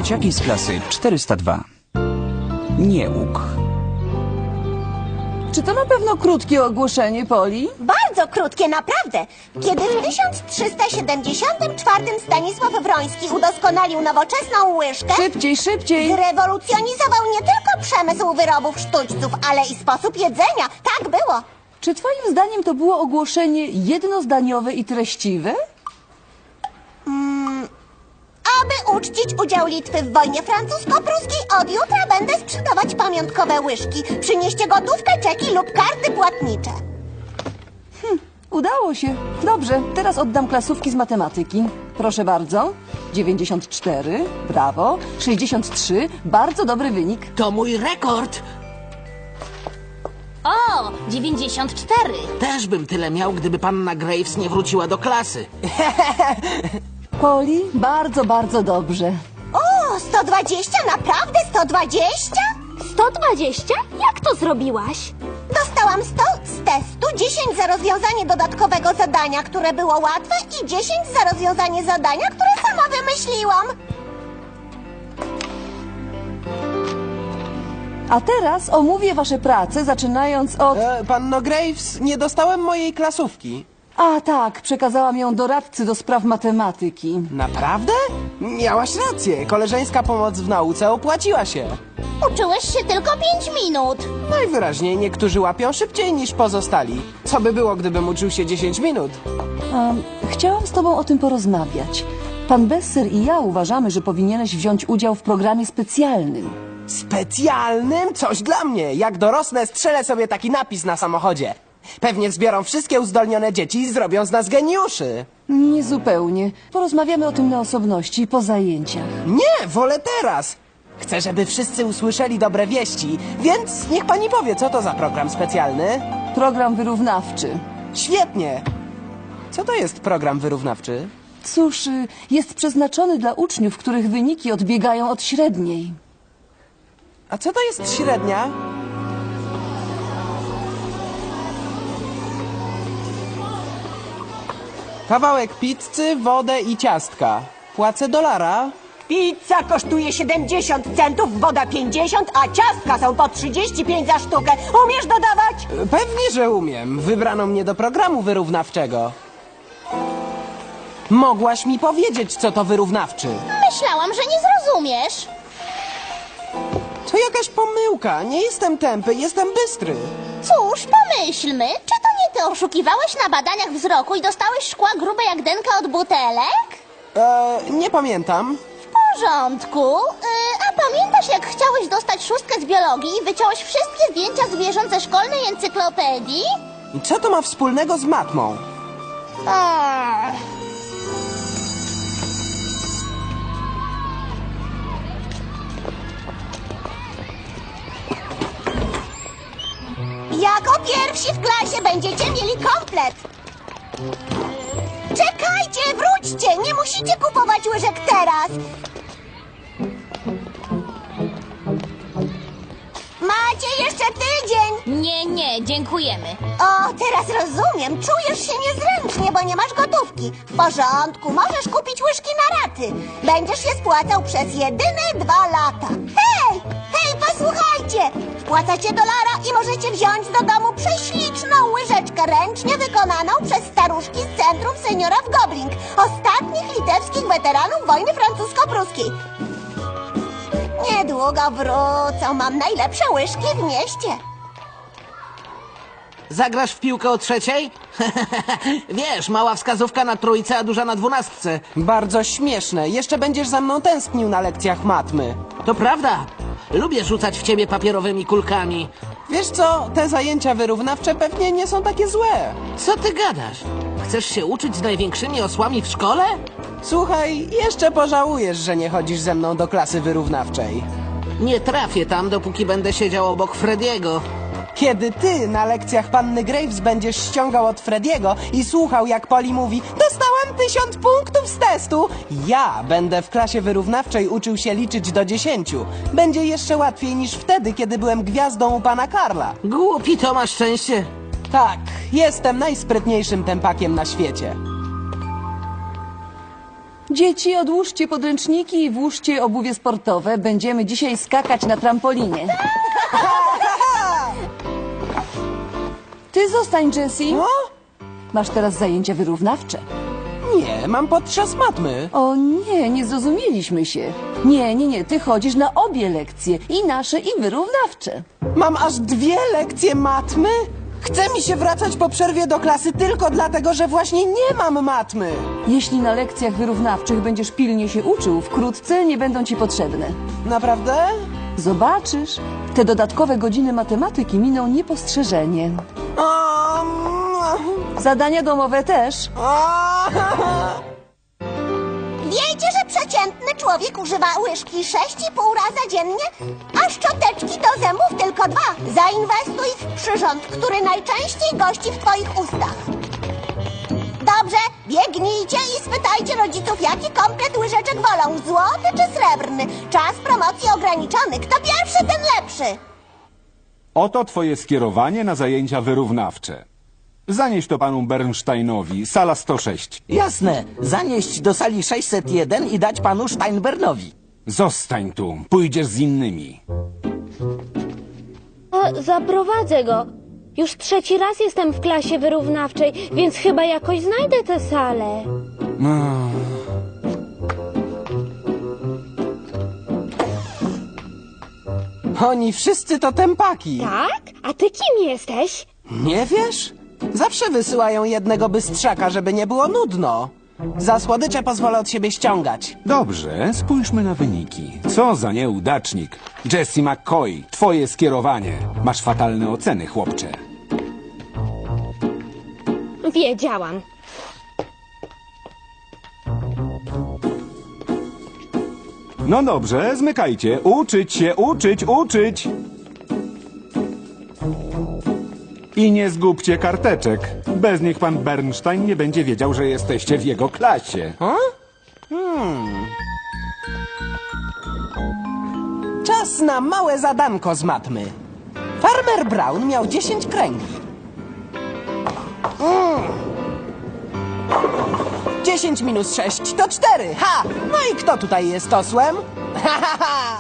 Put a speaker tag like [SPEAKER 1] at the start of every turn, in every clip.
[SPEAKER 1] Dzieciaki z klasy 402. Niełuk.
[SPEAKER 2] Czy to na pewno krótkie ogłoszenie, Poli?
[SPEAKER 3] Bardzo krótkie, naprawdę. Kiedy w 1374 Stanisław Wroński udoskonalił nowoczesną łyżkę,
[SPEAKER 2] Szybciej, szybciej!
[SPEAKER 3] zrewolucjonizował nie tylko przemysł wyrobów sztućców, ale i sposób jedzenia. Tak było.
[SPEAKER 2] Czy twoim zdaniem to było ogłoszenie jednozdaniowe i treściwe?
[SPEAKER 3] Aby uczcić udział Litwy w wojnie francusko-pruskiej, od jutra będę sprzedawać pamiątkowe łyżki. Przynieście gotówkę, czeki lub karty płatnicze.
[SPEAKER 2] Udało się. Dobrze, teraz oddam klasówki z matematyki. Proszę bardzo. 94, brawo. 63, bardzo dobry wynik.
[SPEAKER 4] To mój rekord.
[SPEAKER 5] O, 94.
[SPEAKER 4] Też bym tyle miał, gdyby panna Graves nie wróciła do klasy.
[SPEAKER 2] Poli, bardzo, bardzo dobrze.
[SPEAKER 3] O, 120? Naprawdę 120?
[SPEAKER 5] 120? Jak to zrobiłaś?
[SPEAKER 3] Dostałam 100 z testu, 10 za rozwiązanie dodatkowego zadania, które było łatwe i 10 za rozwiązanie zadania, które sama wymyśliłam.
[SPEAKER 2] A teraz omówię wasze prace, zaczynając od...
[SPEAKER 6] Panno Graves, nie dostałem mojej klasówki.
[SPEAKER 2] A tak, przekazałam ją doradcy do spraw matematyki.
[SPEAKER 6] Naprawdę? Miałaś rację. Koleżeńska pomoc w nauce opłaciła się.
[SPEAKER 5] Uczyłeś się tylko 5 minut.
[SPEAKER 6] Najwyraźniej niektórzy łapią szybciej niż pozostali. Co by było, gdybym uczył się 10 minut?
[SPEAKER 2] Chciałam z tobą o tym porozmawiać. Pan Besser i ja uważamy, że powinieneś wziąć udział w programie specjalnym.
[SPEAKER 6] Specjalnym? Coś dla mnie. Jak dorosnę, strzelę sobie taki napis na samochodzie. Pewnie zbiorą wszystkie uzdolnione dzieci i zrobią z nas geniuszy.
[SPEAKER 2] Niezupełnie. Porozmawiamy o tym na osobności po zajęciach.
[SPEAKER 6] Nie, wolę teraz. Chcę, żeby wszyscy usłyszeli dobre wieści, więc niech pani powie, co to za program specjalny.
[SPEAKER 2] Program wyrównawczy.
[SPEAKER 6] Świetnie. Co to jest program wyrównawczy?
[SPEAKER 2] Cóż, jest przeznaczony dla uczniów, których wyniki odbiegają od średniej.
[SPEAKER 6] A co to jest średnia? Kawałek pizzy, wodę i ciastka. Płacę $1.
[SPEAKER 7] Pizza kosztuje 70 centów, woda 50, a ciastka są po 35 za sztukę. Umiesz dodawać?
[SPEAKER 6] Pewnie, że umiem. Wybrano mnie do programu wyrównawczego. Mogłaś mi powiedzieć, co to wyrównawczy.
[SPEAKER 5] Myślałam, że nie zrozumiesz.
[SPEAKER 6] To jakaś pomyłka. Nie jestem tępy, jestem bystry.
[SPEAKER 5] Cóż, pomyślmy, czy to nie ty oszukiwałeś na badaniach wzroku i dostałeś szkła grube jak denka od butelek?
[SPEAKER 6] Nie pamiętam.
[SPEAKER 5] W porządku. A pamiętasz, jak chciałeś dostać 6 z biologii i wyciąłeś wszystkie zdjęcia zwierząt ze szkolnej encyklopedii?
[SPEAKER 6] I co to ma wspólnego z matmą?
[SPEAKER 5] Ach.
[SPEAKER 3] Jako pierwsi w klasie będziecie mieli komplet. Czekajcie, wróćcie! Nie musicie kupować łyżek teraz. Macie jeszcze tydzień.
[SPEAKER 5] Nie, dziękujemy.
[SPEAKER 3] O, teraz rozumiem. Czujesz się niezręcznie, bo nie masz gotówki. W porządku, możesz kupić łyżki na raty. Będziesz je spłacał przez jedyne 2 lata. Hej, posłuchajcie! Wpłacacie $1 i możecie wziąć do domu prześliczną łyżeczkę ręcznie wykonaną przez staruszki z Centrum Seniora w Gobling, ostatnich litewskich weteranów wojny francusko-pruskiej. Niedługo wrócą. Mam najlepsze łyżki w mieście.
[SPEAKER 4] Zagrasz w piłkę o 3:00? Wiesz, mała wskazówka na trójce, a duża na 12.
[SPEAKER 6] Bardzo śmieszne. Jeszcze będziesz za mną tęsknił na lekcjach matmy.
[SPEAKER 4] To prawda. Lubię rzucać w ciebie papierowymi kulkami.
[SPEAKER 6] Wiesz co? Te zajęcia wyrównawcze pewnie nie są takie złe.
[SPEAKER 4] Co ty gadasz? Chcesz się uczyć z największymi osłami w szkole?
[SPEAKER 6] Słuchaj, jeszcze pożałujesz, że nie chodzisz ze mną do klasy wyrównawczej.
[SPEAKER 4] Nie trafię tam, dopóki będę siedział obok Frediego.
[SPEAKER 6] Kiedy ty na lekcjach panny Graves będziesz ściągał od Frediego i słuchał, jak Poli mówi: dostałam 1000 punktów z testu, ja będę w klasie wyrównawczej uczył się liczyć do 10. Będzie jeszcze łatwiej niż wtedy, kiedy byłem gwiazdą u pana Karla.
[SPEAKER 4] Głupi to masz szczęście.
[SPEAKER 6] Tak, jestem najsprytniejszym tępakiem na świecie.
[SPEAKER 2] Dzieci, odłóżcie podręczniki i włóżcie obuwie sportowe. Będziemy dzisiaj skakać na trampolinie. Ty zostań, Jessie.
[SPEAKER 6] No?
[SPEAKER 2] Masz teraz zajęcia wyrównawcze.
[SPEAKER 6] Nie, mam podczas matmy.
[SPEAKER 2] O nie, nie zrozumieliśmy się. Nie, ty chodzisz na obie lekcje. I nasze, i wyrównawcze.
[SPEAKER 6] Mam aż 2 lekcje matmy? Chce mi się wracać po przerwie do klasy tylko dlatego, że właśnie nie mam matmy.
[SPEAKER 2] Jeśli na lekcjach wyrównawczych będziesz pilnie się uczył, wkrótce nie będą ci potrzebne.
[SPEAKER 6] Naprawdę?
[SPEAKER 2] Zobaczysz, te dodatkowe godziny matematyki miną niepostrzeżenie. Zadania domowe też.
[SPEAKER 3] Wiecie, że przeciętny człowiek używa łyżki 6,5 raza dziennie, a szczoteczki do zębów tylko 2. Zainwestuj w przyrząd, który najczęściej gości w twoich ustach. Dobrze, biegnijcie i spytajcie rodziców, jaki komplet łyżeczek wolą, złoty czy srebrny. Czas promocji ograniczony. Kto pierwszy, ten lepszy.
[SPEAKER 8] Oto twoje skierowanie na zajęcia wyrównawcze. Zanieś to panu Bernsteinowi, sala 106.
[SPEAKER 9] Jasne, zanieść do sali 601 i dać panu Steinbernowi.
[SPEAKER 8] Zostań tu, pójdziesz z innymi.
[SPEAKER 10] Zaprowadzę go. Już 3. raz jestem w klasie wyrównawczej, więc chyba jakoś znajdę tę salę.
[SPEAKER 6] Oni wszyscy to tępaki.
[SPEAKER 10] Tak? A ty kim jesteś?
[SPEAKER 6] Nie wiesz? Zawsze wysyłają jednego bystrzaka, żeby nie było nudno. Za słodycze pozwolę od siebie ściągać.
[SPEAKER 8] Dobrze, spójrzmy na wyniki. Co za nieudacznik. Jessie McCoy, twoje skierowanie. Masz fatalne oceny, chłopcze.
[SPEAKER 10] Wiedziałam.
[SPEAKER 8] No dobrze, zmykajcie. Uczyć się, uczyć. I nie zgubcie karteczek. Bez nich pan Bernstein nie będzie wiedział, że jesteście w jego klasie.
[SPEAKER 6] Czas na małe zadanko z matmy. Farmer Brown miał 10 kręgli. 10 minus 6 to 4. Ha! No i kto tutaj jest osłem? Ha, ha, ha!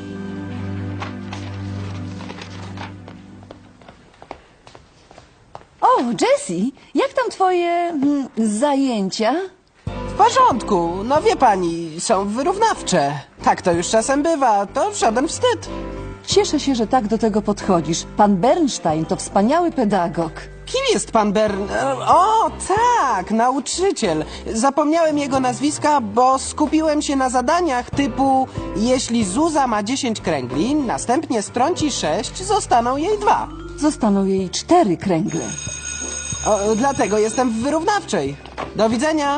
[SPEAKER 2] O, Jessie, jak tam twoje zajęcia?
[SPEAKER 6] W porządku, no wie pani, są wyrównawcze. Tak to już czasem bywa, to żaden wstyd.
[SPEAKER 2] Cieszę się, że tak do tego podchodzisz. Pan Bernstein to wspaniały pedagog.
[SPEAKER 6] Kim jest pan O, tak, nauczyciel. Zapomniałem jego nazwiska, bo skupiłem się na zadaniach typu jeśli Zuza ma 10 kręgli, następnie strąci 6, zostaną jej 2.
[SPEAKER 2] Zostaną jej 4 kręgle.
[SPEAKER 6] Dlatego jestem w wyrównawczej. Do widzenia.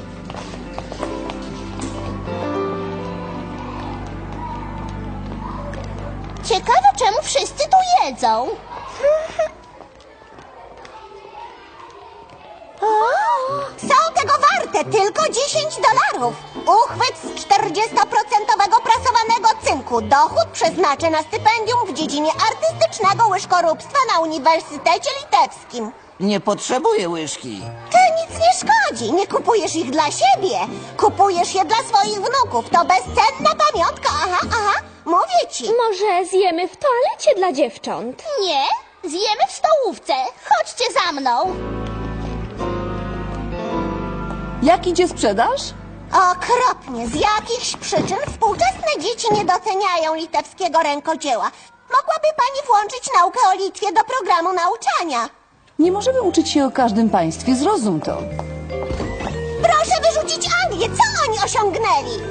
[SPEAKER 5] Ciekawe, czemu wszyscy tu jedzą.
[SPEAKER 3] Są tego warte tylko $10. Uchwyt z 40% prasowanego cynku. Dochód przeznaczę na stypendium w dziedzinie artystycznego łyżkoróbstwa na Uniwersytecie Litewskim.
[SPEAKER 9] Nie potrzebuję łyżki.
[SPEAKER 3] To nic nie szkodzi. Nie kupujesz ich dla siebie. Kupujesz je dla swoich wnuków. To bezcenna pamiątka. Aha. Mówię ci.
[SPEAKER 10] Może zjemy w toalecie dla dziewcząt?
[SPEAKER 5] Nie, zjemy w stołówce. Chodźcie za mną.
[SPEAKER 2] Jak idzie sprzedaż?
[SPEAKER 3] Okropnie. Z jakichś przyczyn współczesne dzieci nie doceniają litewskiego rękodzieła. Mogłaby pani włączyć naukę o Litwie do programu nauczania.
[SPEAKER 2] Nie możemy uczyć się o każdym państwie, zrozum to.
[SPEAKER 3] Proszę wyrzucić Anglię. Co oni osiągnęli?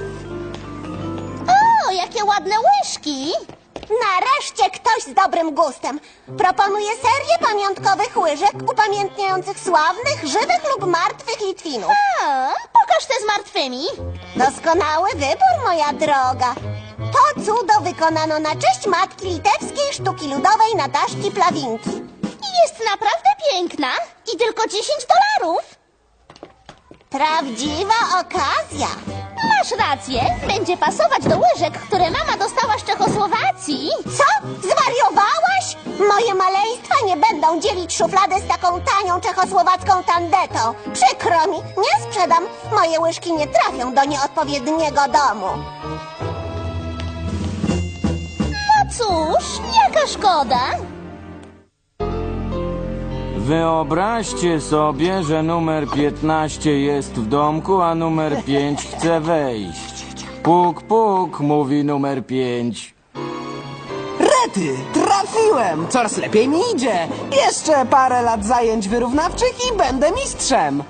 [SPEAKER 5] O, jakie ładne łyżki.
[SPEAKER 3] Nareszcie ktoś z dobrym gustem. Proponuję serię pamiątkowych łyżek upamiętniających sławnych, żywych lub martwych Litwinów.
[SPEAKER 5] Pokaż te z martwymi.
[SPEAKER 3] Doskonały wybór, moja droga. To cudo wykonano na cześć matki litewskiej sztuki ludowej Nataszki Plawinki.
[SPEAKER 5] I jest naprawdę piękna. I tylko $10.
[SPEAKER 3] Prawdziwa okazja.
[SPEAKER 5] Masz rację. Będzie pasować do łyżek, które mama dostała z Czechosłowacji.
[SPEAKER 3] Co? Zwariowałaś? Moje maleństwa nie będą będą dzielić szufladę z taką tanią czechosłowacką tandetą. Przykro mi, nie sprzedam. Moje łyżki nie trafią do nieodpowiedniego domu.
[SPEAKER 5] No cóż, jaka szkoda.
[SPEAKER 11] Wyobraźcie sobie, że numer 15 jest w domku, a numer 5 chce wejść. Puk, puk, mówi numer 5.
[SPEAKER 6] Rety, trafiłem! Coraz lepiej mi idzie. Jeszcze parę lat zajęć wyrównawczych i będę mistrzem.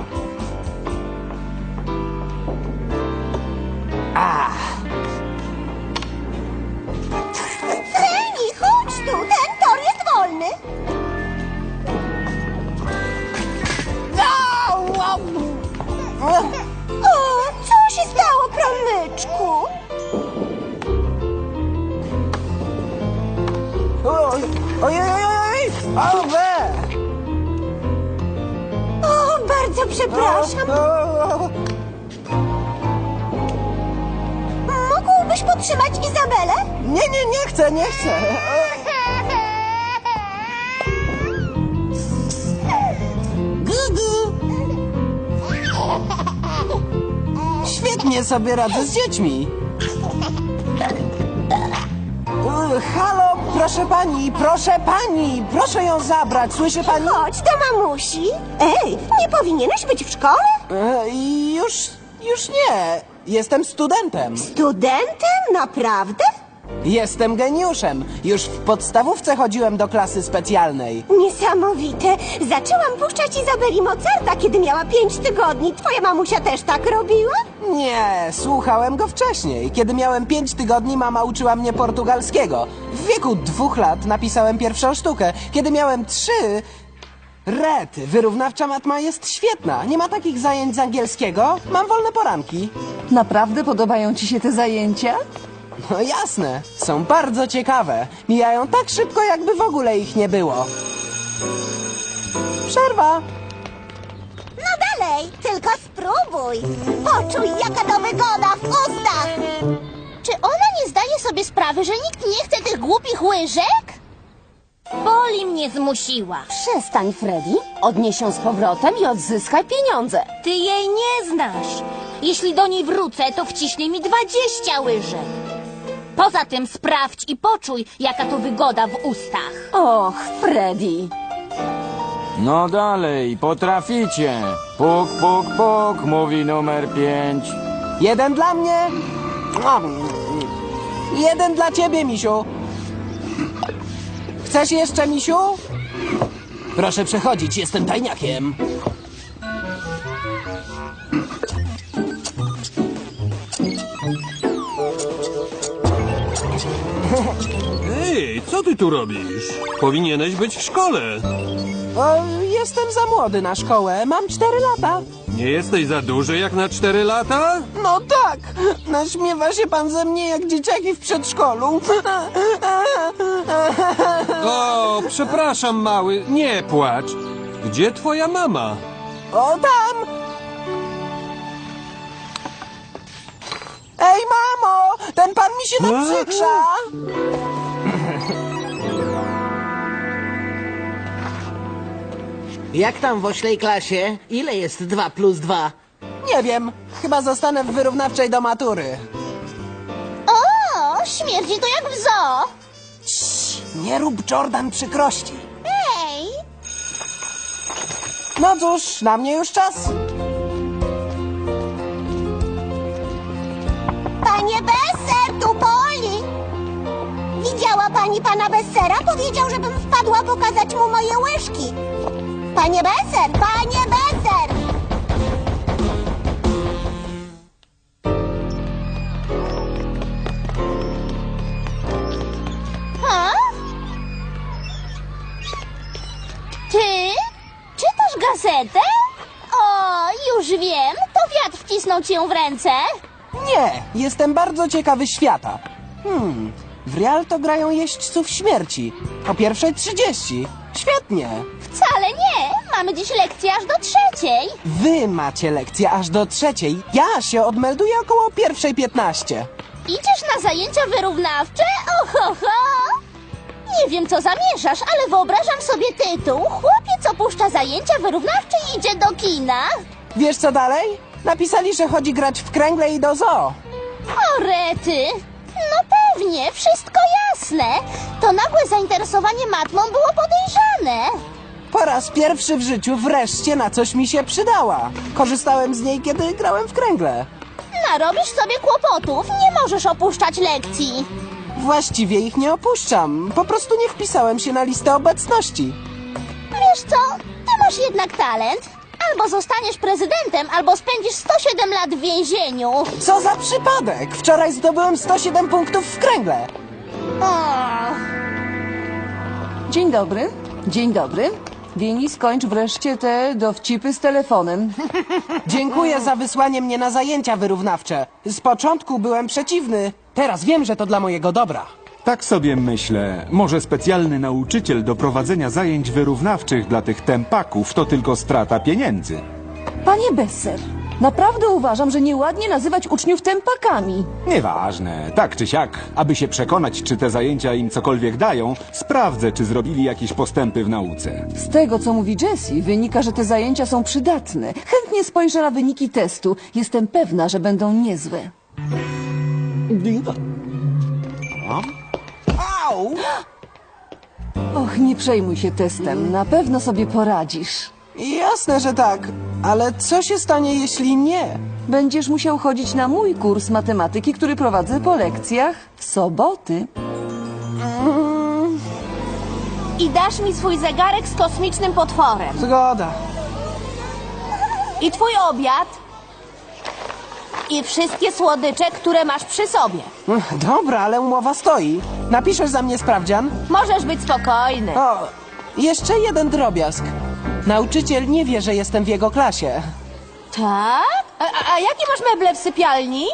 [SPEAKER 3] Freni, chodź tu, ten tor jest wolny. O, co się stało, promyczku?
[SPEAKER 6] Ojej! Owe!
[SPEAKER 3] O, bardzo przepraszam. Mógłbyś podtrzymać Izabelę?
[SPEAKER 6] Nie chcę, nie chcę. Gugu! Świetnie sobie radzę z dziećmi. Halo, proszę ją zabrać, słyszy pani?
[SPEAKER 3] Chodź do mamusi. Ej, nie powinieneś być w szkole?
[SPEAKER 6] Już nie. Jestem studentem.
[SPEAKER 3] Studentem? Naprawdę?
[SPEAKER 6] Jestem geniuszem. Już w podstawówce chodziłem do klasy specjalnej.
[SPEAKER 3] Niesamowite. Zaczęłam puszczać Izabeli Mozarta, kiedy miała 5 tygodni. Twoja mamusia też tak robiła?
[SPEAKER 6] Nie, słuchałem go wcześniej. Kiedy miałem 5 tygodni, mama uczyła mnie portugalskiego. W wieku 2 lat napisałem pierwszą sztukę. Kiedy miałem 3... Rety, wyrównawcza matma jest świetna. Nie ma takich zajęć z angielskiego. Mam wolne poranki.
[SPEAKER 2] Naprawdę podobają ci się te zajęcia?
[SPEAKER 6] No jasne, są bardzo ciekawe. Mijają tak szybko, jakby w ogóle ich nie było. Przerwa.
[SPEAKER 3] No dalej, tylko spróbuj. Poczuj, jaka to wygoda w ustach.
[SPEAKER 5] Czy ona nie zdaje sobie sprawy, że nikt nie chce tych głupich łyżek?
[SPEAKER 10] Poli mnie zmusiła.
[SPEAKER 2] Przestań, Freddy. Odnieś ją z powrotem i odzyskaj pieniądze.
[SPEAKER 10] Ty jej nie znasz. Jeśli do niej wrócę, to wciśnie mi 20 łyżek. Poza tym sprawdź i poczuj, jaka to wygoda w ustach.
[SPEAKER 2] Och, Freddy.
[SPEAKER 11] No dalej, potraficie. Puk, puk, puk, mówi numer 5.
[SPEAKER 6] 1 dla mnie. 1 dla ciebie, misiu. Chcesz jeszcze, misiu? Proszę przechodzić, jestem tajniakiem.
[SPEAKER 12] Ej, co ty tu robisz? Powinieneś być w szkole.
[SPEAKER 6] Jestem za młody na szkołę, mam 4 lata.
[SPEAKER 12] Nie jesteś za duży jak na 4 lata?
[SPEAKER 6] No tak, naśmiewa się pan ze mnie jak dzieciaki w przedszkolu.
[SPEAKER 12] O, przepraszam, mały, nie płacz. Gdzie twoja mama?
[SPEAKER 6] O, tam! Ej, mamo! Ten pan mi się naprzykrza!
[SPEAKER 4] Jak tam w oślej klasie? Ile jest 2 plus 2?
[SPEAKER 6] Nie wiem, chyba zostanę w wyrównawczej do matury.
[SPEAKER 5] O, śmierdzi to jak w zoo.
[SPEAKER 6] Nie rób Jordan przykrości.
[SPEAKER 5] Ej,
[SPEAKER 6] No cóż, na mnie już czas.
[SPEAKER 3] Panie Besser, tu Poli. Widziała pani pana Bessera? Powiedział, żebym wpadła pokazać mu moje łyżki. Panie Besser, panie Besser!
[SPEAKER 5] ha? Ty? Czytasz gazetę? O, już wiem, to wiatr wcisnął ci ją w ręce.
[SPEAKER 6] Nie, jestem bardzo ciekawy świata. W Rialto grają jeźdźców śmierci. O 1:30. Świetnie.
[SPEAKER 5] Wcale nie, mamy dziś lekcję aż do 3.
[SPEAKER 6] Wy macie lekcję aż do 3. Ja się odmelduję około 1:15.
[SPEAKER 5] Idziesz na zajęcia wyrównawcze? Oho, ho! Nie wiem, co zamierzasz, ale wyobrażam sobie tytuł. Chłopiec opuszcza zajęcia wyrównawcze i idzie do kina.
[SPEAKER 6] Wiesz co dalej? Napisali, że chodzi grać w kręgle i do zoo.
[SPEAKER 5] O, rety! No pewnie, wszystko jasne. To nagłe zainteresowanie matmą było podejrzane.
[SPEAKER 6] Po raz pierwszy w życiu wreszcie na coś mi się przydała. Korzystałem z niej, kiedy grałem w kręgle.
[SPEAKER 5] Narobisz sobie kłopotów, nie możesz opuszczać lekcji.
[SPEAKER 6] Właściwie ich nie opuszczam. Po prostu nie wpisałem się na listę obecności.
[SPEAKER 5] Wiesz co, ty masz jednak talent. Albo zostaniesz prezydentem, albo spędzisz 107 lat w więzieniu.
[SPEAKER 6] Co za przypadek! Wczoraj zdobyłem 107 punktów w kręgle.
[SPEAKER 2] Dzień dobry. Dzień dobry. Wini, skończ wreszcie te dowcipy z telefonem.
[SPEAKER 6] Dziękuję za wysłanie mnie na zajęcia wyrównawcze. Z początku byłem przeciwny. Teraz wiem, że to dla mojego dobra.
[SPEAKER 8] Tak sobie myślę, może specjalny nauczyciel do prowadzenia zajęć wyrównawczych dla tych tempaków to tylko strata pieniędzy.
[SPEAKER 2] Panie Besser, naprawdę uważam, że nieładnie nazywać uczniów tempakami.
[SPEAKER 8] Nieważne, tak czy siak, aby się przekonać, czy te zajęcia im cokolwiek dają, sprawdzę, czy zrobili jakieś postępy w nauce.
[SPEAKER 2] Z tego, co mówi Jessie, wynika, że te zajęcia są przydatne. Chętnie spojrzę na wyniki testu. Jestem pewna, że będą niezłe.
[SPEAKER 6] Au!
[SPEAKER 2] Och, nie przejmuj się testem. Na pewno sobie poradzisz.
[SPEAKER 6] Jasne, że tak. Ale co się stanie, jeśli nie?
[SPEAKER 2] Będziesz musiał chodzić na mój kurs matematyki, który prowadzę po lekcjach w soboty.
[SPEAKER 10] I dasz mi swój zegarek z kosmicznym potworem.
[SPEAKER 6] Zgoda.
[SPEAKER 10] I twój obiad. I wszystkie słodycze, które masz przy sobie.
[SPEAKER 6] Dobra, ale umowa stoi. Napiszesz za mnie sprawdzian?
[SPEAKER 10] Możesz być spokojny.
[SPEAKER 6] O, jeszcze jeden drobiazg. Nauczyciel nie wie, że jestem w jego klasie.
[SPEAKER 10] Tak? A jakie masz meble w sypialni?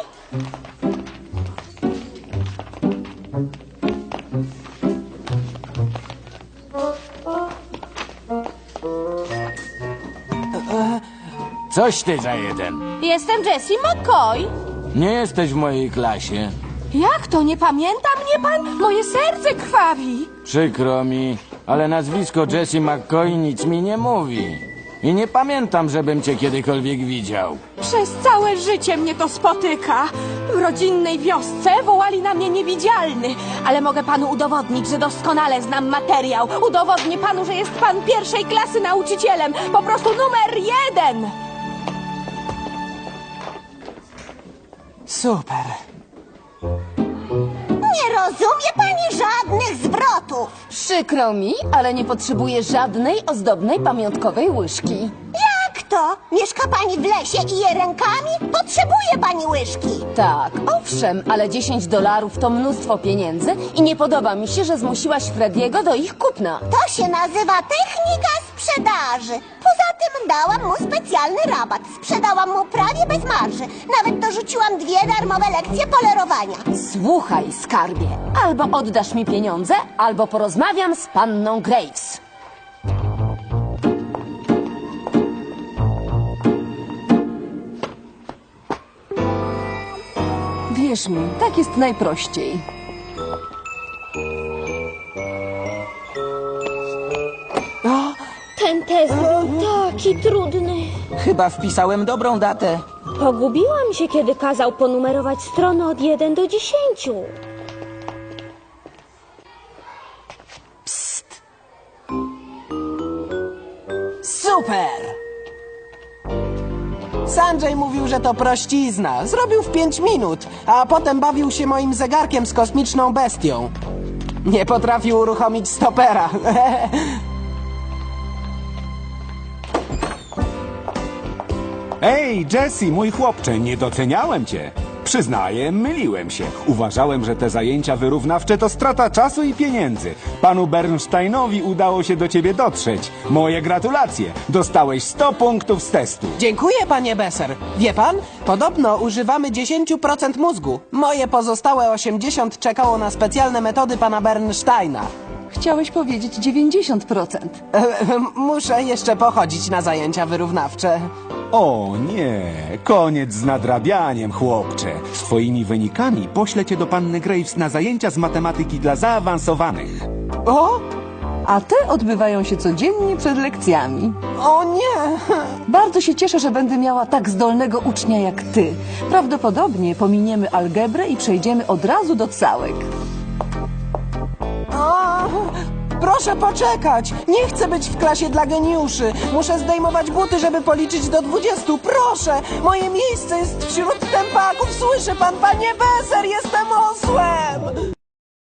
[SPEAKER 11] Coś ty za jeden.
[SPEAKER 10] Jestem Jessie McCoy.
[SPEAKER 11] Nie jesteś w mojej klasie.
[SPEAKER 10] Jak to? Nie pamięta mnie pan? Moje serce krwawi.
[SPEAKER 11] Przykro mi, ale nazwisko Jessie McCoy nic mi nie mówi. I nie pamiętam, żebym cię kiedykolwiek widział.
[SPEAKER 13] Przez całe życie mnie to spotyka. W rodzinnej wiosce wołali na mnie niewidzialny. Ale mogę panu udowodnić, że doskonale znam materiał. Udowodnię panu, że jest pan pierwszej klasy nauczycielem. Po prostu numer 1.
[SPEAKER 6] Super.
[SPEAKER 3] Nie rozumie pani żadnych zwrotów.
[SPEAKER 2] Przykro mi, ale nie potrzebuję żadnej ozdobnej pamiątkowej łyżki.
[SPEAKER 3] Jak to? Mieszka pani w lesie i je rękami? Potrzebuje pani łyżki.
[SPEAKER 2] Tak, owszem, ale $10 to mnóstwo pieniędzy i nie podoba mi się, że zmusiłaś Frediego do ich kupna.
[SPEAKER 3] To się nazywa technika sprzedaży. Poza tym dałam mu specjalny rabat. Sprzedałam mu prawie bez marży. Nawet dorzuciłam 2 darmowe lekcje polerowania.
[SPEAKER 2] Słuchaj, skarbie, albo oddasz mi pieniądze, albo porozmawiam z panną Graves. Wierz mi, tak jest najprościej.
[SPEAKER 5] Ten test był taki trudny.
[SPEAKER 9] Chyba wpisałem dobrą datę.
[SPEAKER 13] Pogubiłam się, kiedy kazał ponumerować strony od 1 do 10.
[SPEAKER 6] Super! Sanjay mówił, że to prościzna. Zrobił w 5 minut, a potem bawił się moim zegarkiem z kosmiczną bestią. Nie potrafił uruchomić stopera.
[SPEAKER 8] Ej, Jessie, mój chłopcze, nie doceniałem cię. Przyznaję, myliłem się. Uważałem, że te zajęcia wyrównawcze to strata czasu i pieniędzy. Panu Bernsteinowi udało się do ciebie dotrzeć. Moje gratulacje. Dostałeś 100 punktów z testu.
[SPEAKER 6] Dziękuję, panie Besser. Wie pan, podobno używamy 10% mózgu. Moje pozostałe 80 czekało na specjalne metody pana Bernsteina.
[SPEAKER 2] Chciałeś powiedzieć 90%.
[SPEAKER 6] Muszę jeszcze pochodzić na zajęcia wyrównawcze.
[SPEAKER 8] O nie, koniec z nadrabianiem, chłopcze. Z twoimi wynikami poślę cię do panny Graves na zajęcia z matematyki dla zaawansowanych.
[SPEAKER 6] O?
[SPEAKER 2] A te odbywają się codziennie przed lekcjami.
[SPEAKER 6] O nie!
[SPEAKER 2] Bardzo się cieszę, że będę miała tak zdolnego ucznia jak ty. Prawdopodobnie pominiemy algebrę i przejdziemy od razu do całek.
[SPEAKER 6] O, proszę poczekać! Nie chcę być w klasie dla geniuszy. Muszę zdejmować buty, żeby policzyć do 20. Proszę! Moje miejsce jest wśród tępaków. Słyszy pan, panie Beser? Jestem osłem!